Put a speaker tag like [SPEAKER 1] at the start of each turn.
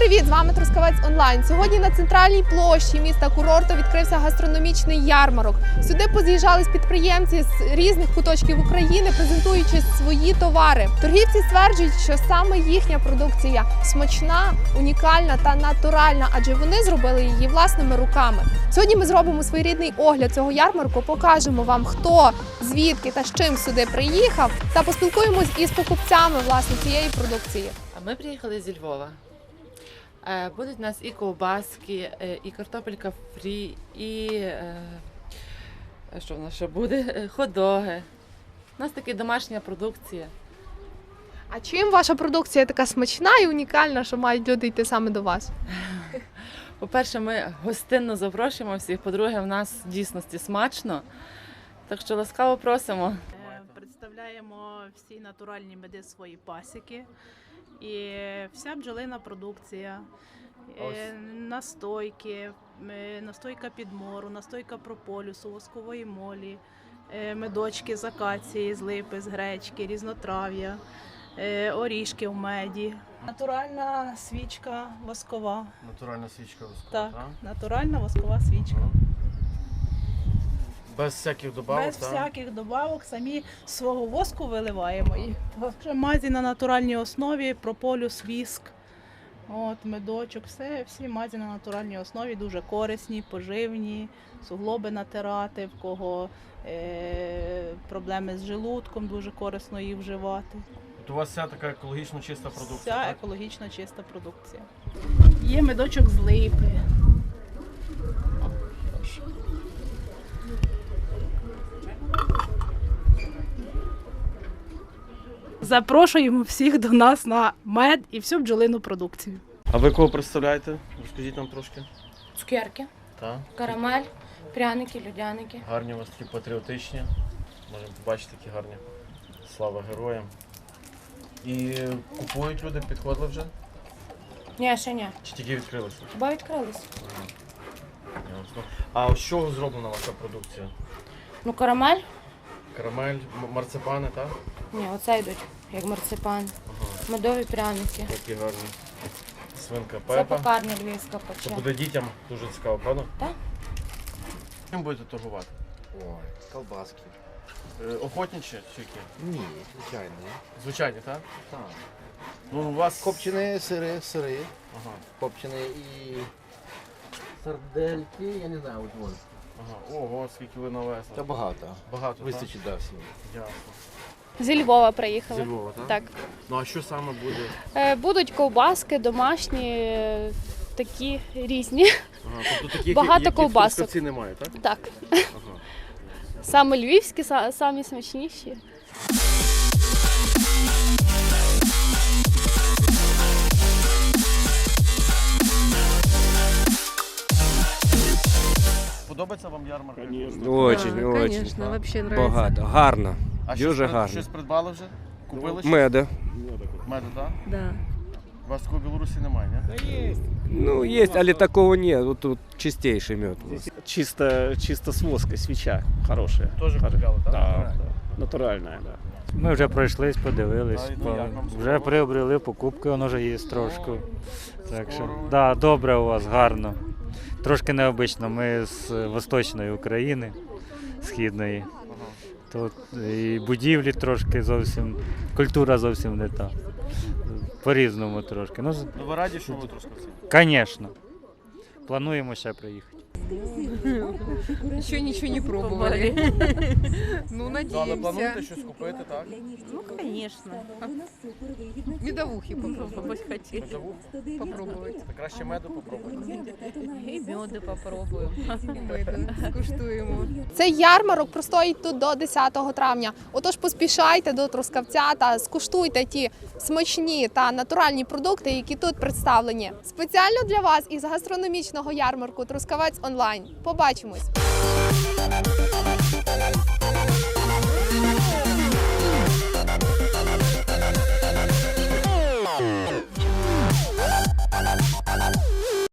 [SPEAKER 1] привіт! З вами Трускавець Онлайн. Сьогодні на центральній площі міста курорту відкрився гастрономічний ярмарок. Сюди поз'їжджались підприємці з різних куточків України, презентуючи свої товари. Торгівці стверджують, що саме їхня продукція смачна, унікальна та натуральна, адже вони зробили її власними руками. Сьогодні ми зробимо своєрідний огляд цього ярмарку, покажемо вам, хто, звідки та з чим сюди приїхав, та поспілкуємось із покупцями власне цієї продукції.
[SPEAKER 2] А ми приїхали зі Львова. Будуть у нас і ковбаски, і картопелька фрі, і що в нас ще буде? Хот-доги. У нас така домашня продукція.
[SPEAKER 1] А чим ваша продукція така смачна і унікальна, що мають люди йти саме до вас?
[SPEAKER 2] По-перше, ми гостинно запрошуємо всіх, по-друге, в нас в дійсності смачно, так що ласкаво просимо.
[SPEAKER 3] Представляємо всі натуральні меди свої пасіки і вся бджолина продукція, настойки, настойка підмору, настойка прополісу, воскової молі, медочки з акації, з липи, з гречки, різнотрав'я, орішки в меді. Натуральна свічка воскова.
[SPEAKER 4] Натуральна свічка воскова,
[SPEAKER 3] Так, натуральна воскова свічка.
[SPEAKER 4] Без всяких добавок,
[SPEAKER 3] Без всяких добавок, самі з свого воску виливаємо їх. Мазі на натуральній основі, прополіс, віск, медочок, всі мазі на натуральній основі, дуже корисні, поживні, суглоби натирати, в кого проблеми з желудком, дуже корисно їх вживати.
[SPEAKER 4] У вас вся така екологічно чиста продукція?
[SPEAKER 3] Вся
[SPEAKER 4] так?
[SPEAKER 3] екологічно чиста продукція. Є медочок з липи. Запрошуємо всіх до нас на мед і всю бджолину продукцію.
[SPEAKER 4] А ви кого представляєте? Розкажіть нам трошки.
[SPEAKER 5] Цукерки,
[SPEAKER 4] Так.
[SPEAKER 5] карамель, пряники, людяники.
[SPEAKER 4] Гарні у вас такі патріотичні. Можемо побачити такі гарні. Слава героям. І купують люди, підходили вже?
[SPEAKER 5] Ні, ще ні.
[SPEAKER 4] Чи тільки відкрилися?
[SPEAKER 5] Хіба відкрились?
[SPEAKER 4] Ясно. А з чого зроблена ваша продукція?
[SPEAKER 5] Ну, карамель?
[SPEAKER 4] Карамель, марципани, так?
[SPEAKER 5] Ні, оце йдуть, як марципан. Медові пряники.
[SPEAKER 4] Такі гарні. Свинка
[SPEAKER 5] Це
[SPEAKER 4] Пепа.
[SPEAKER 5] пекарня львівська
[SPEAKER 4] Це
[SPEAKER 5] пече.
[SPEAKER 4] буде дітям дуже цікаво, правда?
[SPEAKER 5] Так.
[SPEAKER 4] Чим будете торгувати?
[SPEAKER 6] Ой, колбаски.
[SPEAKER 4] Охотничі чи які?
[SPEAKER 6] Ні, звичайно.
[SPEAKER 4] Звичайні, так?
[SPEAKER 6] Так.
[SPEAKER 4] Ну, у вас...
[SPEAKER 6] Копчені сири,
[SPEAKER 4] Ага,
[SPEAKER 6] копчені і сардельки, я не знаю, от вон.
[SPEAKER 4] ага. Ого, скільки ви навезли.
[SPEAKER 6] Це багато.
[SPEAKER 4] Багато,
[SPEAKER 6] Вистачить, да, всім.
[SPEAKER 4] так? Ясно.
[SPEAKER 1] Зі Львова приїхали.
[SPEAKER 4] Зі Львова, так?
[SPEAKER 1] Так.
[SPEAKER 4] Ну, а що саме буде?
[SPEAKER 1] Будуть ковбаски домашні, такі різні.
[SPEAKER 4] Ага, тобто таких,
[SPEAKER 1] Багато
[SPEAKER 4] як
[SPEAKER 1] ковбасок.
[SPEAKER 4] в Трускавці немає, так?
[SPEAKER 1] Так.
[SPEAKER 4] Ага.
[SPEAKER 1] Саме львівські, самі смачніші.
[SPEAKER 4] Подобається вам ярмарка?
[SPEAKER 7] Очень, очень.
[SPEAKER 4] так?
[SPEAKER 8] вообще
[SPEAKER 7] Багато. Гарно.
[SPEAKER 4] А
[SPEAKER 7] Дуже гарно.
[SPEAKER 4] щось придбали вже? Купили щось?
[SPEAKER 7] Меда.
[SPEAKER 4] Меду, так?
[SPEAKER 8] Да.
[SPEAKER 4] У вас такого в Білорусі немає, ні?
[SPEAKER 7] Ну, есть, але такого нет. Вот тут чистейший мед у нас.
[SPEAKER 9] Чисто с воска, свеча хорошая.
[SPEAKER 4] Теж купляли, так?
[SPEAKER 9] Да, натуральная, да.
[SPEAKER 10] Ми вже пройшлись, подивились,
[SPEAKER 4] Та, ну, як вам
[SPEAKER 10] вже
[SPEAKER 4] сподобалось?
[SPEAKER 10] приобрели покупки, воно вже є трошки. Так що,
[SPEAKER 4] Скоро.
[SPEAKER 10] да, добре у вас, гарно. Трошки необично, ми з Восточної України, Східної. Тут і будівлі трошки зовсім, культура зовсім не та. По-різному трошки. Ну,
[SPEAKER 4] Ну, ви раді, що ви в Трускавці?
[SPEAKER 10] звісно. Плануємо ще приїхати.
[SPEAKER 8] Еще ничего не пробовали. Ну,
[SPEAKER 4] Ну, але
[SPEAKER 8] надеемся.
[SPEAKER 4] плануєте щось купити, так?
[SPEAKER 8] Ну, конечно. Медовухи попробовать хотели.
[SPEAKER 4] Медову?
[SPEAKER 8] Попробовать.
[SPEAKER 4] Та краще меду попробуйте.
[SPEAKER 8] И меды попробуем. И меды скуштуємо.
[SPEAKER 1] Цей ярмарок простоїть тут до 10 травня. Отож поспішайте до Трускавця та скуштуйте ті смачні та натуральні продукти, які тут представлені. Спеціально для вас із гастрономічного ярмарку Трускавець Онлайн. Побачимось!